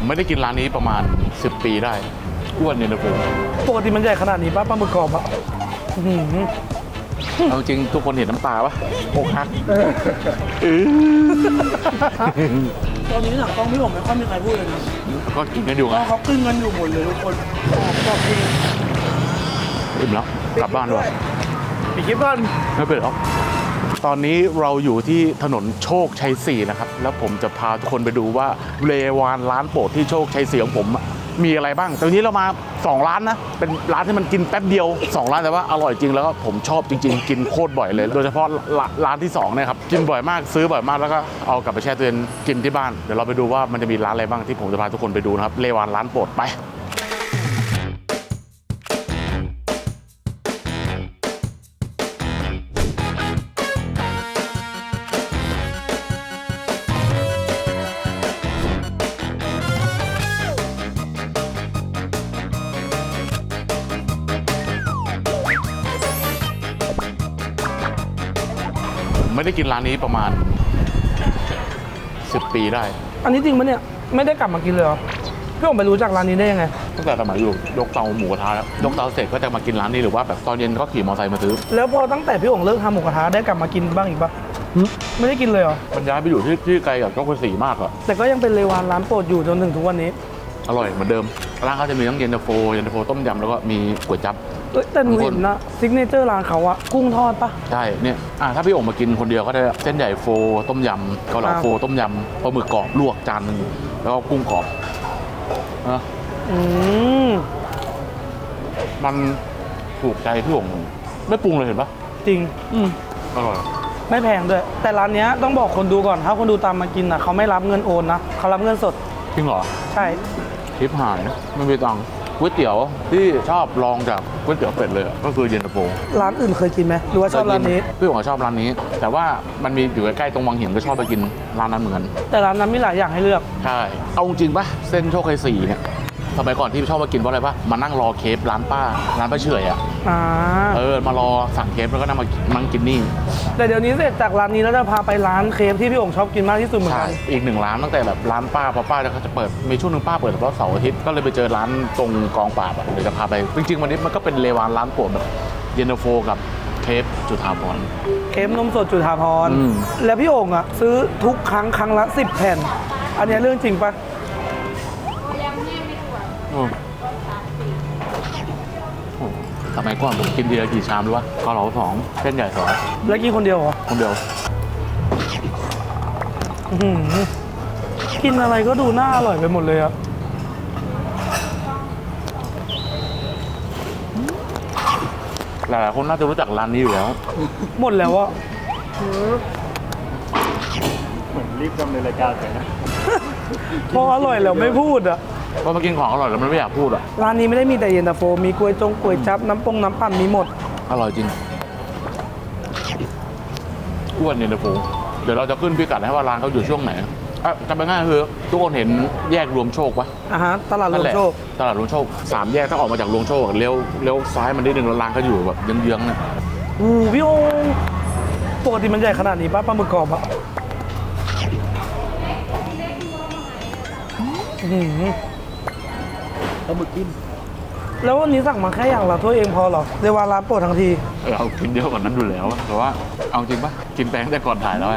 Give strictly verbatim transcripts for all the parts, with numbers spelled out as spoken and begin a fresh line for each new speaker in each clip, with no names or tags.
ไม่ได้กินร้านนี้ประมาณสิบปีได้อ้วนเนี่ยนะผม
ปกติมันใหญ่ขนาดนี้ป่ะปลาหมึกกรอบอ่ะ
เอาจริงทุกคนเห็นน้ำตาปะอกหัก
ตอนนี้หนังกล้องพี่ผมไม่ค่อยมีใครพูดเลยนะ
ก็กินกันอยู่ไง
เขากินกันอยู่หมดเลยทุกคนกรอบจริง
อิ่มแล้วกลับบ้านด้วย
ปิดคลิปก่อน
ไม่เป็นหรอกตอนนี้เราอยู่ที่ถนนโชคชัยสี่นะครับแล้วผมจะพาทุกคนไปดูว่าเลวานร้านโปรดที่โชคชัยสี่ของผมมีอะไรบ้างตอนนี้เรามาสองร้านนะเป็นร้านที่มันกินแป๊บเดียวสองร้านแต่ว่าอร่อยจริงแล้วก็ผมชอบจริงๆกินโคตรบ่อยเลยโดยเฉพาะร้านที่สองเนี่ยครับกินบ่อยมากซื้อบ่อยมากแล้วก็เอากลับไปแช่ตู้เย็นกินที่บ้านเดี๋ยวเราไปดูว่ามันจะมีร้านอะไรบ้างที่ผมจะพาทุกคนไปดูนะครับเลวานร้านโปรดไปไม่ได้กินร้านนี้ประมาณสิบปีได้
อันนี้จริงปะเนี่ยไม่ได้กลับมากินเลยเหรอพี่ผมไปรู้จักร้านนี้ได้ยังไง
ตั้งแต่สมัยอยู่ยกเตาหมูกระทะแล้วยกเตาเสร็จก็จะมากินร้านนี้หรือว่าแบบตอนเย็นก็ขี่มอเตอร์ไซค์มาซื้อ
แล้วพอตั้งแต่พี่ผมเลิกทำหมูกระทะได้กลับมากินบ้างอีกปะไม่ได้กินเลยเหรอ
มันย้ายไปอยู่ที่ที่ไกลกับโชคชัยสี่มากอะ
แต่ก็ยังเป็นเลวานร้านโปรดอยู่จนถึงทุกวันนี้
อร่อยเหมือนเดิมร้านเขาจะมีทั้งเย็นตาโฟเย็นตาโฟต้มยำแล้วก็มีก๋วยจั๊บ
แต่หนูเห็นนะซิกเนเจอร์ร้านเขาอะกุ้งทอดปะ
ใช่เนี่ยอ่ะถ้าพี่โอ่งมากินคนเดียวก็ได้เส้นใหญ่โฟต้มยำเกาเหลาโฟต้มยำปลาหมึกกรอบลวกจานนึงแล้วก็กุ้งกรอบนะ
อืม
มันถูกใจพี่โอ่งไม่ปรุงเลยเห็นปะ
จริงอืม
อร่อย
ไม่แพงด้วยแต่ร้านนี้ต้องบอกคนดูก่อนถ้าคนดูตามมากินนะเขาไม่รับเงินโอนนะเขารับเงินสด
จริงเหรอ
ใช่
คลิปหายไม่มีตังค์ก๋วยเตี๋ยวที่ชอบลองจากก๋วยเตี๋ยวเป็ดเลยก็คือเย็นตาโฟ
ร้านอื่นเคยกินไหมหรือว่าชอบร้านนี้
พี่ผมชอบร้านนี้แต่ว่ามันมีอยู่ใกล้ๆตรงวังหินก็ชอบไปกินร้านนั้นเหมือนกัน
แต่ร้านนั้นมีหลายอย่างให้เลือก
ใช่เอาจริงปะเส้นโชคชัยสี่เนี่ยสมัยก่อนที่ชอบมากินเพราะอะไรปะมานั่งรอเคฟร้านป้าร้านป้าเฉยอ่ะเออมารอสั่งเคฟแล้วก็นั่งมานั่งกินนี่
แต่เดี๋ยวนี้เสร็จจากร้านนี้แล้วจะพาไปร้านเคฟที่พี่องค์ชอบกินมากที่สุดเหมือนกัน
อีกหนึ่งร้านตั้งแต่แบบร้านป้าพอป้าเขาจะเปิดมีช่วงนึงป้าเปิดเฉพาะเสาร์อาทิตย์ก็เลยไปเจอร้านตรงกองปราบอะเดี๋ยวจะพาไปจริงๆวันนี้มันก็เป็นเลวานร้านโปรดแบบเย็นตาโฟกับเคฟจุฑาภรณ์
เคฟนมสดจุฑาภรณ์แล้วพี่องค์อะซื้อทุกครั้งครั้งละสิบแผ่นอันนี้เรื่องจริงปะ
สมัยก่อนผมกินทีละกี่ชามรู้ป่ะเกาเหลาสองเส้นใหญ่สอง
แล้วกินคนเดียวเหรอ
คนเดียว
กินอะไรก็ดูน่าอร่อยไปหมดเลยอะ
หลายๆคนน่าจะรู้จักร้านนี้อยู่แล้ว
หมดแล้วอะ
เหมือนรีบดำเนินรายการไปนะ
พออร่อยแล้วไม่พูดอะ
พอมากินของอร่อยแล้วมันไม่อยากพูดอ่ะ
ร้านนี้ไม่ได้มีแต่เย็นตาโฟมีก๋วยจงก๋วยจั๊บน้ำปงน้ำปั่นมีหมด
อร่อยจริงอ้วนเย็นตาโฟเดี๋ยวเราจะขึ้นพิกัดให้ว่าร้านเขาอยู่ช่วงไหนอ่ะจำเป็นง่ายคือทุกคนเห็นแยกรวมโชคปะ
อ่าฮะตลาดรวมโชค
ตลาดรวมโชคสามแยกถ้าออกมาจากรวมโชคเลี้ยวเลี้ยวซ้ายมันได้หนึ่งร้านเขาอยู่แบบเยื้องๆเนี่ย
อู้พี่โองปกติมันใหญ่ขนาดนี้ป่ะปลาหมึกกรอบอะ
ปลาหมึกกิน
แล้ววันนี้สั่งมาแค่อย่างละถ้วยเองพอหรอเรียกว่าร้านโปรดทั้งที
เรากินเยอะกว่านั้นดูแล้วแต่ว่าเอาจริงปะกินแป้งแต่ก่อนถ่ายแล้วไง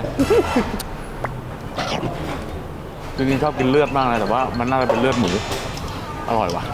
จริงๆชอบกินเลือดมากเลยแต่ว่ามันน่าจะเป็นเลือดหมูอร่อยว่ะ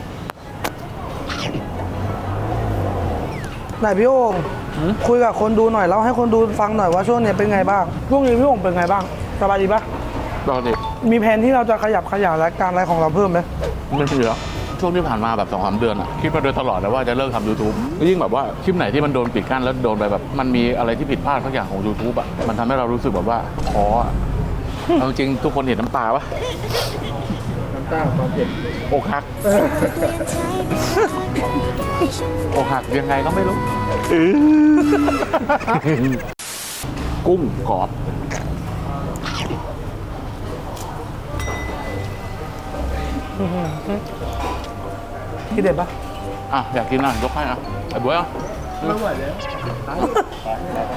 ไหนพี่โอ่งคุยกับคนดูหน่อยแล้วให้คนดูฟังหน่อยว่าช่วงนี้เป็นไงบ้างช่วงนี้พี่โอ่งเป็นไงบ้างสบายดีปะ
ปกติ
มีแผนที่เราจะขยับขยายรายการอะไรของเราเพิ่มไหม
ไม่มีแล้วช่วงที่ผ่านมาแบบสองสามเดือนอะคิดมาโดยตลอดเลยว่าจะเลิกทำ ยูทูบ ยิ่งแบบว่าคลิปไหนที่มันโดนปิดกั้นแล้วโดนไปแบบมันมีอะไรที่ผิดพลาดทุกอย่างของ ยูทูบ อะมันทำให้เรารู้สึกแบบว่าท้ออะเอาจริงทุกคนเห็นน้ำตาปะ
น้ำตาความเผ็ด
อกหักอกหักยังไงก็ไม่รู้กุ้งกรอบ
ที่เด็ดปะ
อ่ะอยากกินอ่ะยกให้อ่ะไอ้บ๊วยอ่ะ
ไม่ไหวแล้ว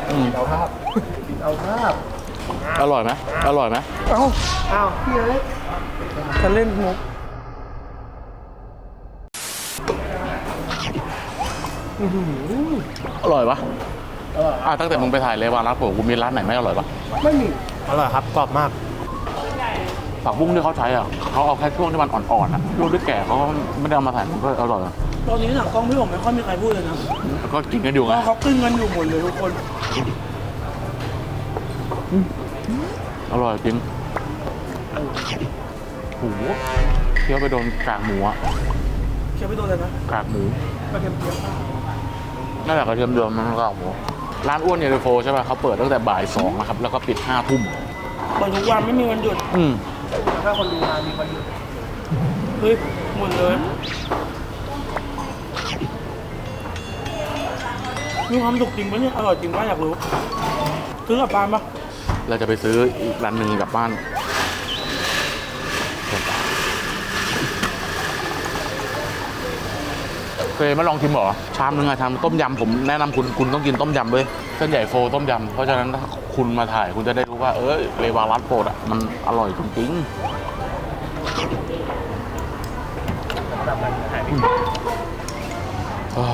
เอาภาพเอาภาพ
อร่อยไหมอร่อยไหม
เอ้า
อ้าวพี่เอ้ย
จะเล่นมุก
อร่อยปะอ่ะตั้งแต่มึงไปถ่ายเลวานร้านโปรดกูมีร้านไหนไม่อร่อยปะ
ไม่มี
อร่อยครับกรอบมาก
ผักบุ้งที่เขาใช้อ่ะเขาเอาแค่ช่วงที่มันอ่อนๆอ่ะช่วงที่แก่เขาก็ไม่ได้เอามาใส่มันก็อร่อยอะ
ตอนนี้หนังกล้องพี่ผมไม่ค่อยมีใครพูดเลยนะ
แล้วก็กินกันอยู่
เพ
ไง
ราะเขาตึงกันอยู่หมดเลยทุกคน
อร่อยจริงโหเคี้ยวไปโดนกากหมูอ่ะ
เคี้ยวไปโดนเลยนะ
กากหมู
กระเทียมเจียว
นั่นแหละกระเทียมเดือมมันก็หมูร้านอ้วนเยลโฟใช่ป่ะเขาเปิดตั้งแต่บ่ายสองนะครับแล้วก็ปิดห้าทุ่ม
เปิดทุกวันไม่มีวันหยุด
อืม
ถ้าคนดูงานมีวันหยุดเฮ้ยหมดเลยมีความสุขจริงปะเนี่ยอร่อยจริงปะอยากรู้ซื้อกลับบ้านปะ
เราจะไปซื้ออีกร้านหนึ่งกลับบ้านเคยมาลองชิมเหรอชามนึงอะชามต้มยำผมแนะนำคุณคุณต้องกินต้มยำด้วยเส้นใหญ่โฟต้มยำเพราะฉะนั้นถ้าคุณมาถ่ายคุณจะได้รู้ว่าเออเลวารัสโปรดอะมันอร่อยจริงๆอ่า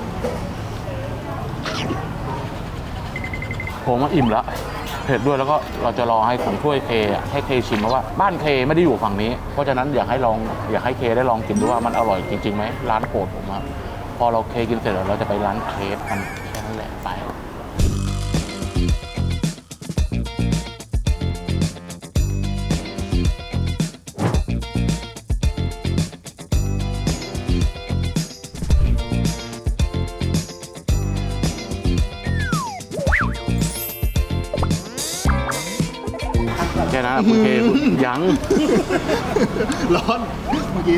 ผมว่าอิ่มแล้วเผ็ดด้วยแล้วก็เราจะรอให้ผมช่วยเคอะให้เคชิมเพราะว่าบ้านเคไม่ได้อยู่ฝั่งนี้ เพราะฉะนั้นอยากให้ลองอยากให้เคได้ลองกินดูว่ามันอร่อยจริงๆไหมร้านโปรดผมครับพอเราเคกินเสร็จแล้วเราจะไปร้านเคฟกันแค่นั้นแหละไปแค่นั้นอะคุณเคยัง
ร้อนเมื่อกี้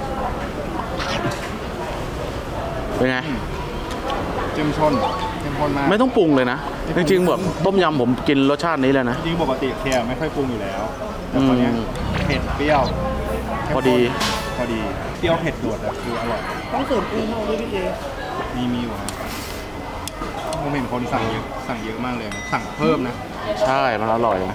เป็นไง
เจ้มชนเข้มข้นมาก
ไม่ต้องปรุงเลยนะ จริงๆแบบต้มยำผมกินรสชาตินี้เลยนะ
จริงปกติเคไม่ค่อยปรุงอยู่แล้ว แต่ตอนเนี้ย
อืม
เผ็ดเปรี้ยว
พอดี
พอดีเปรี้ยวเผ็ดโดดอะคืออร่อย
ต้องเสริมปรุงเข้าด้วยพี่เจ
มีมีอยู่นะผมเห็นคนสั่งเยอะสั่งเยอะมากเลยนะสั่งเพิ่มนะ
ใช่มันอร่อยนะ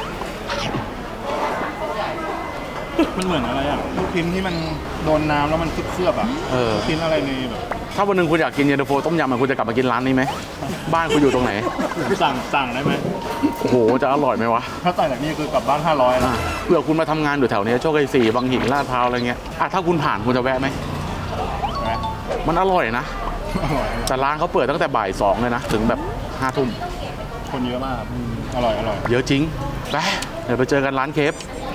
มันเหมือนอะไรอ่ะลูกชิ้นที่มันโดนน้ำแล้วมันเคลือบๆอ่ะ
เออ
ลูกชิ้นอะไรในแบบ
ถ้าวันหนึ่งคุณอยากกินเย็นตาโฟต้มยำอะคุณจะกลับมากินร้านนี้ไหมบ้านคุณอยู่ตรงไหน
สั่งสั่งได้ไหม
โอ้โหจะอร่อยไหมวะ
ถ้าต่างจากนี้คือกลับบ้านห้าร้อย
อ่ะ
นะ
เผื่อคุณมาทำงานอยู่แถวเนี้ยโชคชัยสี่บางหินลาดพร้าวอะไรเงี้ยอ่ะถ้าคุณผ่านคุณจะแวะไหม
นะ
มันอร่อยนะ
อร่อย
แต่ร้านเขาเปิดตั้งแต่บ่ายสองเลยนะถึงแบบห้าทุ่ม
คนเยอะมากครับอร่อยอร่อย
เยอะจริงไปเดี๋ยวไปเจอกันร้านเคฟ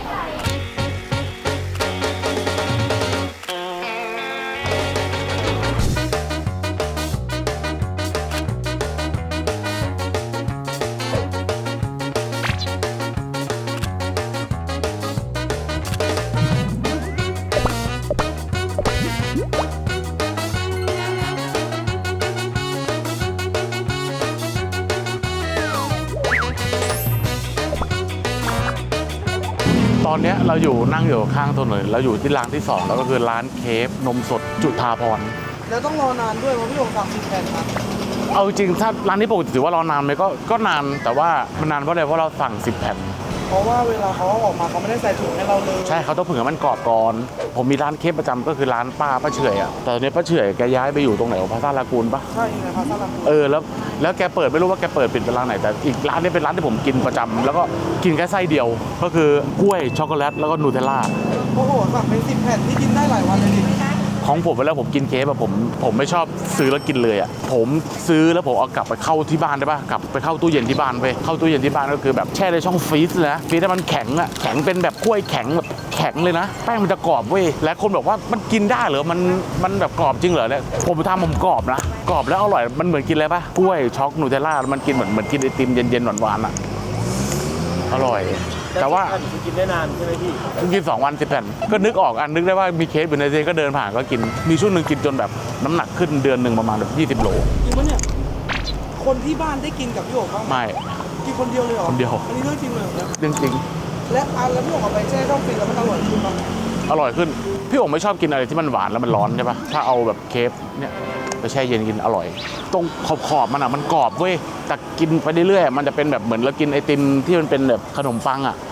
ตอนเนี้ยเราอยู่นั่งอยู่ข้างถนนเราอยู่ที่ร้านที่สองแล้วก็คือร้านเคฟนมสดจุฑาภรณ์
แล้วต้องรอนานด้วยเพราะพี่ผมสั่งสิบแผ่นครับ
เอาจริงถ้าร้านนี้ปกติถือว่ารอนานไหมก็ก็นานแต่ว่ามันนานเพราะอะไรเพราะเราสั่งสิบแผ่น
เพราะว่าเวลาเขาเอาออกมาเขาไม่ได้ใส่ถุงให้เราเลย
ใช่เขาต้องเผื่อมันกรอบก่อนผมมีร้านเคฟประจำก็คือร้านป้าป้าเฉอยอ่ะแต่ตอนนี้ป้าเฉอยแกย้ายไปอยู่ตรงไหนวะพาซาลากูลปะ
ใช่ไงพาซาลา
เออแล้วแล้วแกเปิดไม่รู้ว่าแกเปิดปิดเป็นร้านไหนแต่อีกร้านนี้เป็นร้านที่ผมกินประจำแล้วก็กินแค่ไส้เดียว ก็คือกล้วยช็อกโกแลตแล้วก็นูเทลล่า
โอ้โหสั่งเป็นสิบแผ่นที่กินได้หลายวันเลยดิ
ของผมเวลาผมกินเคฟอะผมผมไม่ชอบซื้อแล้วกินเลยอะผมซื้อแล้วผมเอากลับไปเข้าที่บ้านได้ปะกลับไปเข้าตู้เย็นที่บ้านไปเข้าตู้เย็นที่บ้านก็คือแบบแช่ในช่องฟรีซเลยนะฟรีซให้มันแข็งอะแข็งเป็นแบบกล้วยแข็งแบบแข็งเลยนะแป้งมันจะกรอบเว้ยและคนบอกว่ามันกินได้เหรอมันมันแบบกรอบจริงเหรอเนี่ยผมทำผมกรอบนะกรอบแล้วอร่อยมันเหมือนกินอะไรปะกล้วยช็อกนูเทลล่ามันกินเหมือนเหมือนกินไอติมเย็นๆหวานๆอะอร่อย แต่ว่า
กินได้นานใช่ไหมพี่
ผมกินสองวันสิบแผ่นก็นึกออกอันนึกได้ว่ามีเคสอยู่ในเซนก็เดินผ่านก็กินมีช่วงหนึ่งกินจนแบบน้ำหนักขึ้นเดือนหนึ่งประมาณแบบยี่สิบโล
จริงปะเนี่ยคนที่บ้านได้กินกับพี่โอ๋บ้างไหม
ไม่
กินคนเดียวเลยเหรอ
คนเดียว
อันนี้เรื่องจริงเลยเหรอเนี่ย
จริงจริง
และอันแล้วพี่โอ๋เอาไปแช่ช่องฟรีซแล้วมันอร่อยขึ้นปะ
ๆอร่อยขึ้นพี่โอ๋ไม่ชอบกินอะไรที่มันหวานแล้วมันร้อนใช่ปะถ้าเอาแบบเคฟเนี่ยไปแช่เย็นกินอร่อย ตรงขอบขอบๆมันอ่ะมันกรอบเว้ยแต่กินไปเรื่อยๆมันจะเป็นแบบเหมือนเรากินไอติมที่มันเป็นแบบขนมปังอ่ะ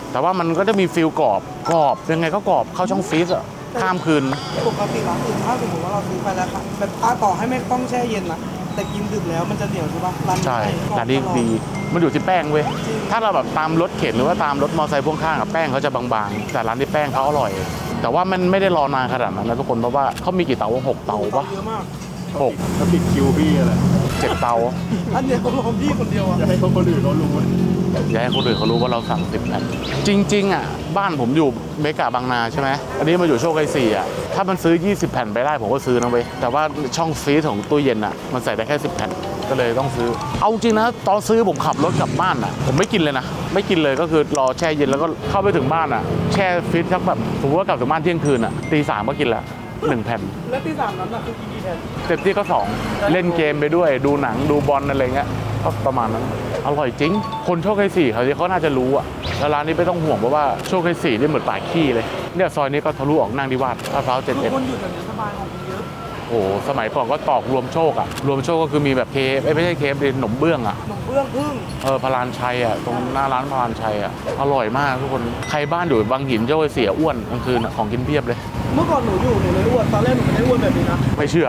แต่ว่ามันก็จะมีฟิลกรอบกรอบยังไงก็กรอบเข้าช่องฟรีซอะข้ามคืน
ปกติร้านอื่นถ้าสมมติว่าเราซื้อไปแล้วค่ะแบบถ้าต่อให้ไม่ต้องแช่เย็นนะแต่กินดึกแล้วมันจะเหนียวใช่ปะร้านนี้
ใช่
กรอบ
ร้านนี้
ตลอ
ดีมันอยู่ที่แป้งเว้ย
จริง
ถ้าเราแบบตามรถเข็นหรือว่าตามรถมอเตอร์ไซค์พ่วงข้างอะแป้งเขาจะบางๆ แต่ร้านนี้แป้งเขาอร่อย แต่ว่ามันไม่ได้รอนานขนาดนั้นนะทุกคนเพราะว่าเขามีกี่เตาหกเตาปะ
เยอะมาก
หก
ถ้าปิดคิวพี่อะไร
เจ็ดเตา
อันเนี้ยเขาลองพี่คนเดียวอะ
จะให้คนอื่นเขารู้
อย่าให้คนอื่นเขารู้ว่าเราสั่งสิบแผ่นจริงๆอ่ะบ้านผมอยู่เมกะบางนาใช่ไหมอันนี้มาอยู่โชคชัยสี่อ่ะถ้ามันซื้อยี่สิบแผ่นไปได้ผมก็ซื้อนะเว้ยแต่ว่าช่องฟรีซของตู้เย็นอ่ะมันใส่ได้แค่สิบแผ่นก็เลยต้องซื้อเอาจริงนะตอนซื้อผมขับรถกลับบ้านอ่ะผมไม่กินเลยนะไม่กินเลยก็คือรอแช่เย็นแล้วก็เข้าไปถึงบ้านอ่ะแช่ฟรีซสักแบบผมว่ากลับถึงบ้านเที่ยงคืนอ่ะตีสามก็กินละหนึ่งแผ่น
แล้วที่สามนั้นน่ะคือกินกี่แผ่น
เต็มที่ก็สองเล่นเกมไปด้วยดูหนังดูบอลอะไรเงี้ยก็ประมาณนั้นอร่อยจริง คนโชคชัยสี่เขาที่เขาน่าจะรู้อะแล้วร้านนี้ไม่ต้องห่วงเพราะว่าโชคชัยสี่นี่เหมือนป่าขี้เลยเนี่ยซอยนี้ก็ทะลุออกนางดิวาสลาดพร้าวเจ็ด
ทุก
เอ็ด
คนอยู่แบบนี้สบายของกินเยอะ
โอ้โหสมัยก่อนก็ตอกรวมโชคอะรวมโชคก็คือมีแบบเคฟไม่ใช่เคฟเป็นขนมเบื้องอะ
ขนมเบื้องพึ่ง
เออพลานชัยอะตรงหน้าร้านพลานชัยอะอร่อยมากทุกคนใครบ้านอยู่บางหินโชคชัยสี่อ้วนกลางคืนอะของกินเพียบเลย
เมื่อก่อนหนูอยู่หนูเลยอ้วนตอนแรกหนูไม่ได้อ้วนแบบนี้นะ
ไม่เชื่อ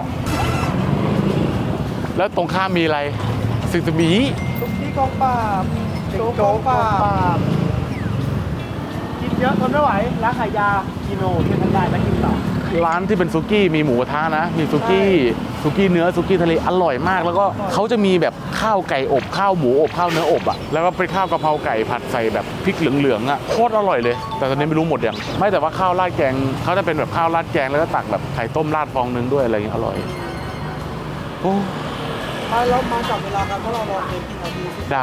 แล้วตรงข้ามมีอะไรสึกสมี
ทุกที่กองปราบโจ๊กกองปราบกินเยอะทนไม่ไหวร้านขายยากิโนช่วยทำได้แล้วกินต่อ
ร้านที่เป็นซุกี้มีหมูกระทะนะ มีซุกี้ซุกี้เนื้อซุกี้ทะเลอร่อยมาก แล้วก็เขาจะมีแบบข้าวไก่อบข้าวหมูอบข้าวเนื้ออบอ่ะแล้วก็เป็นข้าวกะเพราไก่ผัดใส่แบบพริกเหลืองๆอ่ะโคตรอร่อยเลย แต่ตอนนี้ไม่รู้หมดยังไม่แต่ว่าข้าวราดแกงเขาจะเป็นแบบข้าวราดแกงแล้วก็ตักแบบไข่ต้มราดฟองนึงด้วยอะไรอย่างเงี้ยอร่อยโอ้
ไปแล้วมาจับเวลากันเพราะเรารอเกมกี่นาที
ได้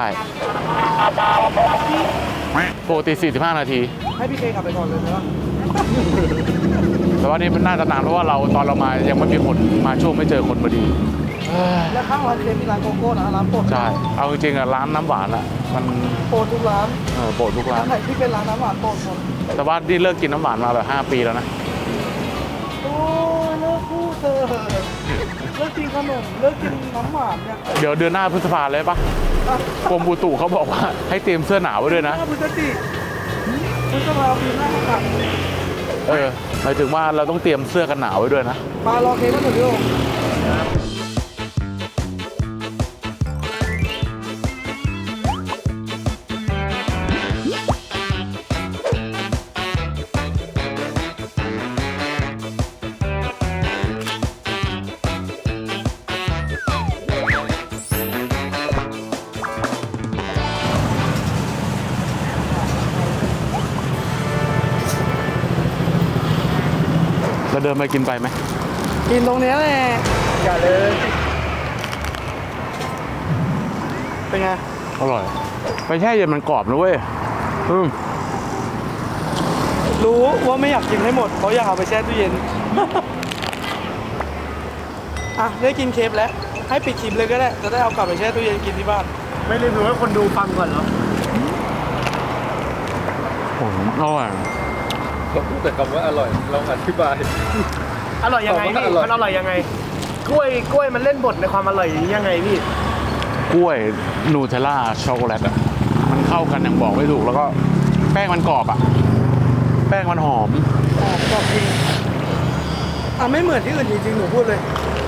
ปกติสี่สิบห้านาที
ให้พี่เคกลับไปก่อนเลยนะ
แต่ว่านี่มันน่าจะนานเพราะว่าเราตอนเรามายังไม่มีคนมาช่วงไม่เจอคนพอดีเอ้ย
แล้วข้างร้านเคมีร้านโกโก้นะร้านโปรด
ใช่เอาจริงๆอะร้านน้ำหวานอะมัน
โปรดทุกร้าน
เออโปรดทุกร้า
ร้าน นไหนที่เป็นร้านน้ำหวานโปรดหมด
แต่ว่านี่เลิกกินน้ำหวานมาแบบห้าปีแล้วนะ
โอ้ยเลิกพูดเธอะเลิกกินขนมเลิกกินน้ำหวานเนี่ย
เดี๋ยวเดือนหน้าพฤษภาเลยปะกรมอุตุเขาบอกว่าให้เตรียมเสื้อหนาวไว้ด้วยนะ
หน้าพฤศจิพฤษภาปีหน้าก็กลับ
เออหมายถึงว่าเราต้องเตรียมเสื้อกันหนาวไว้ด้วยนะ
มารอเค้กก็ถึงพี่โอ่ง
เราเดินไปกินไปไหม
กินตรงเนี้ยแหละอย่าเลย เป็นไง
อร่อย ไปแช่เย็นมันกรอบนะเว้ยอืม
รู้ว่าไม่อยากกินให้หมดเพราะอยากเอาไปแช่ตู้เย็น อ่ะได้กินเค้กแล้ว ให้ปิดคลิปเลยก็ได้ จะได้เอากลับไปแช่ตู้เย็นกินที่บ้าน
ไม่รีวิวให้คนดูฟังก่อนเหรอ
โอ้โหอร่อย
เราพูดแต่คำว่าอร่อยเราอธิบาย
อร่อยยังไงพี่
อร่อย
มันอร่อยยังไง กล้วยกล้วยมันเล่นบทในความอร่อยนี้ยังไงพี่
กล้วยนูเทลล่าช็อกโกแลตอ่ะมันเข้ากันอย่างบอกไม่ถูกแล้วก็แป้งมันกรอบอ่ะแป้งมันหอม
อ่ะกรอบจริงอ่ะไม่เหมือนที่อื่นจริงๆหนูพูดเลย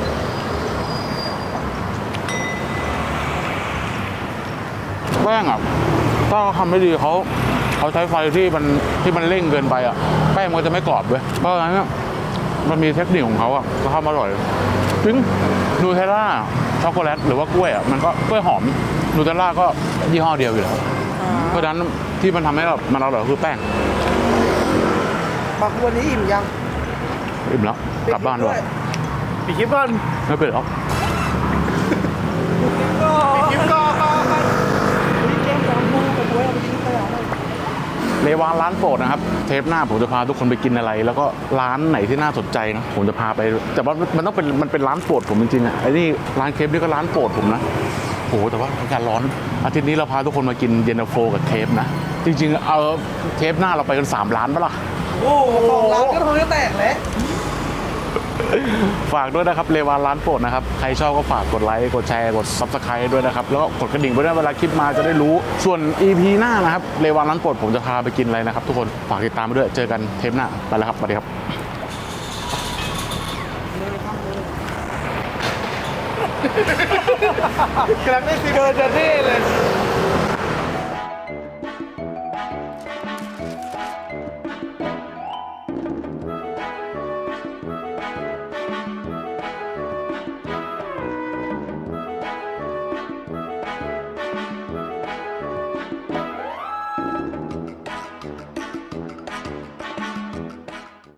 แป้งอ่ะถ้าเขาทำไม่ดีเขาเขาใช้ไฟที่มันที่มันเร่งเกินไปอ่ะแป้งมันจะไม่กรอบเว้ยเพราะฉะนั้นอะมันมีเทคนิคของเขาอ่ะเขาทำอร่อยจริงนูเทลล่าช็อกโกแลตหรือว่ากล้วยอ่ะมันก็กล้วยหอมนูเทลล่าก็ยี่ห้อเดียวอยู่แล้วเพราะฉะนั้นที่มันทำให้แบบมันอร่อยคือแป้ง
มาวันนี้อิ่มยัง
อิ่มแล้วกลับบ้านด้วย
ปิดคลิปก่อน
ไม่เป็นหรอก
กินก็นี่แกงสามมูกับบ๊วยเอาไปกินขยะเลย
เลวานร้านโปรดนะครับเทปหน้าผมจะพาทุกคนไปกินอะไร แล้วก็ร้านไหนที่น่าสนใจนะผมจะพาไปแต่ว่ามันต้องเป็นมันเป็นร้านโปรดผมจริงๆอ่ะไอ้นี่ร้านเคฟนี่ก็ร้านโปรดผมนะโหแต่ว่าอากาศร้อนอาทิตย์นี้เราพาทุกคนมากินเย็นตาโฟกับเคฟนะจริงๆเอาเทปหน้าเราไปกันสามร้านปะล่ะ
โอ้โหสองร้านก็ท้องจะแตกแล้ว
ฝากด้วยนะครับเลวานร้านโปรดนะครับใครชอบก็ฝากกดไลค์กดแชร์กด ซับสไครบ์ ด้วยนะครับแล้วก็กดกระดิ่งไว้ด้วยเวลาคลิปมาจะได้รู้ส่วน อี พี หน้านะครับเลวานร้านโปรดผมจะพาไปกินอะไรนะครับทุกคนฝากติดตามไปด้วยเจอกันเทปหน้าไปแล้วครับสวัสดีครับ
กำลังได้ซีเดินจะเท่เลย